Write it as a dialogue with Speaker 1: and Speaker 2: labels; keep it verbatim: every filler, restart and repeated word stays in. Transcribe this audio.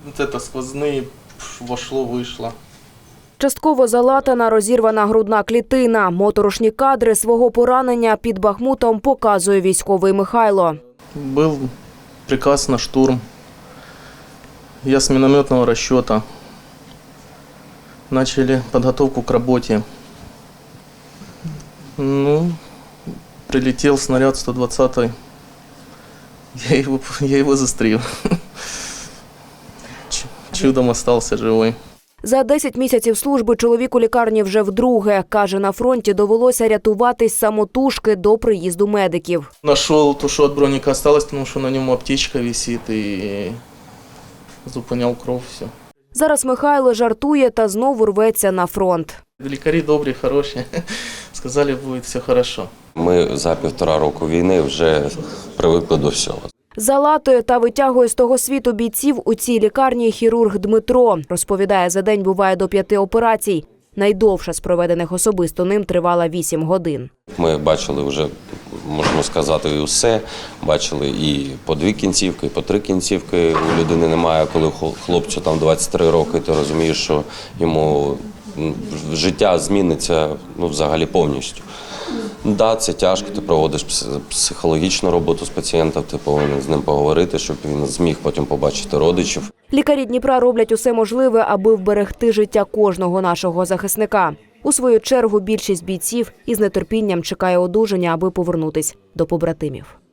Speaker 1: Це сквозний, вошло, вийшло.
Speaker 2: Частково залатана, розірвана грудна клітина. Моторошні кадри свого поранення під Бахмутом показує військовий Михайло.
Speaker 1: Був приказ на штурм. Я з мінометного розчету. Почали підготовку к роботі. Ну, прилетів снаряд сто двадцятий. Я його, я його застрів. Чудом залишився живий.
Speaker 2: За десять місяців служби чоловік у лікарні вже вдруге. Каже, на фронті довелося рятуватись самотужки до приїзду медиків.
Speaker 1: Нашов те, що від броніка залишилось, тому що на ньому аптечка висить і зупиняв кров, все.
Speaker 2: Зараз Михайло жартує та знову рветься на фронт.
Speaker 1: Лікарі добрі, хороші. Сказали, буде все добре.
Speaker 3: Ми за півтора року війни вже привикли до всього.
Speaker 2: Залатує та витягує з того світу бійців у цій лікарні хірург Дмитро. Розповідає, за день буває до п'яти операцій. Найдовша з проведених особисто ним тривала вісім годин.
Speaker 3: Ми бачили вже, можна сказати, і усе. Бачили і по дві кінцівки, і по три кінцівки. У людини немає, коли хлопцю там двадцять три роки, ти розумієш, що йому життя зміниться ну, взагалі повністю. Так, да, це тяжко, ти проводиш психологічну роботу з пацієнтом, ти повинен з ним поговорити, щоб він зміг потім побачити родичів.
Speaker 2: Лікарі Дніпра роблять усе можливе, аби вберегти життя кожного нашого захисника. У свою чергу більшість бійців із нетерпінням чекає одужання, аби повернутись до побратимів.